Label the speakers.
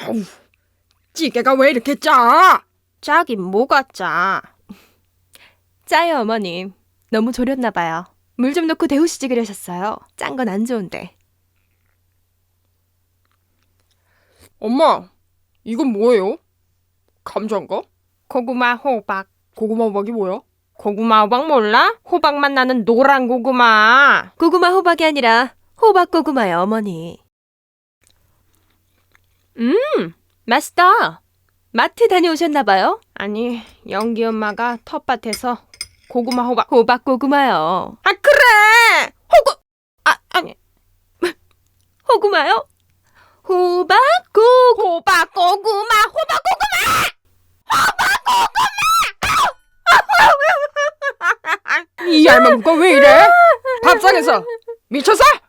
Speaker 1: 어우, 찌개가 왜 이렇게 짜?
Speaker 2: 짜긴 뭐가 짜? 짜요, 어머님. 너무 졸였나 봐요. 물 좀 넣고 데우시지 그러셨어요. 짠 건 안 좋은데.
Speaker 1: 엄마, 이건 뭐예요? 감자인가?
Speaker 2: 고구마 호박.
Speaker 1: 고구마 호박이 뭐야?
Speaker 2: 고구마 호박 몰라? 호박맛 나는 노란 고구마. 고구마 호박이 아니라 호박 고구마요, 어머니. 맛있다. 마트 다녀오셨나 봐요? 아니, 영기 엄마가 텃밭에서 고구마 호박 고구마요. 아, 그래! 아니. 호구마요? 호박 고구마.
Speaker 1: 이 할망구가 왜 이래? 밥상에서 미쳤어?